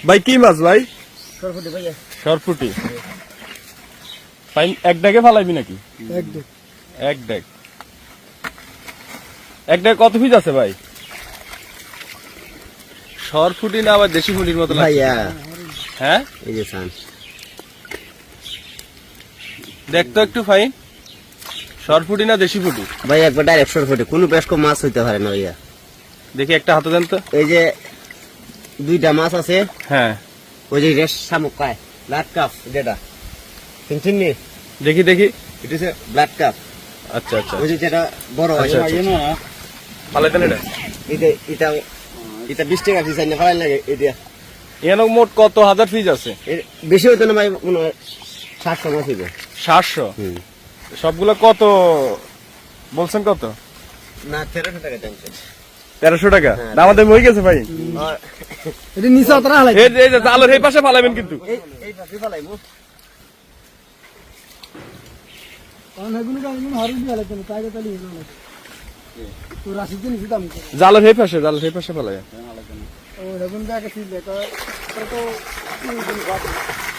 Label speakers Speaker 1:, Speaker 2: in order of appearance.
Speaker 1: ভাই কি মাছ ভাই?
Speaker 2: সরপুটি ভাইয়া।
Speaker 1: সরপুটি। এক ডেকে ফালাইবি নাকি? এক ডেক। এক ডেক কত পিস আছে ভাই? সরপুটি না আবার দেশি ফুটির মতো লাগছে
Speaker 2: ভাইয়া
Speaker 1: হ্যাঁ?
Speaker 2: এই যে সান
Speaker 1: দেখতো একটু ফাইন, সরপুটি না দেশি ফুটি?
Speaker 2: ভাই একবার ডাইরেক্ট সরপুটি, কোনো বেশ কম মাছ হইতে পারে না ভাইয়া।
Speaker 1: দেখি একটা হাতে দেন তো।
Speaker 2: এই যে দুইটা মাছ আছে,
Speaker 1: হ্যাঁ
Speaker 2: ওই যে রেস শামুক পায় ব্লাড কাপ, যেটা চিনছেন নি?
Speaker 1: দেখি দেখি।
Speaker 2: এটা হচ্ছে ব্লাড কাপ।
Speaker 1: আচ্ছা আচ্ছা
Speaker 2: ওই যে যেটা বড় হয়,
Speaker 1: আচ্ছা, আচ্ছা। ফালাইতেন এটা?
Speaker 2: এটা এটা এটা 20 টাকা পিস আইনে ফালাই লাগে। এটা
Speaker 1: এখানে মোট কত হাজার পিস আছে?
Speaker 2: বেশি হইতো না ভাই, মনে হয় 700 মাছ হইবে।
Speaker 1: 700? সবগুলো কত বলছেন? কত?
Speaker 2: না 1300 টাকা জানছে।
Speaker 1: 1300 টাকা?
Speaker 2: হ্যাঁ।
Speaker 1: দাম দাম হয়ে গেছে ভাই।
Speaker 2: এটা নিচে অতরা হালাই,
Speaker 1: এই যে জালের এই পাশে ফালাবেন কিন্তু।
Speaker 2: এই পাশে ফালাইবো।
Speaker 1: জালের এই পাশে, জালের এই পাশে ফালাই।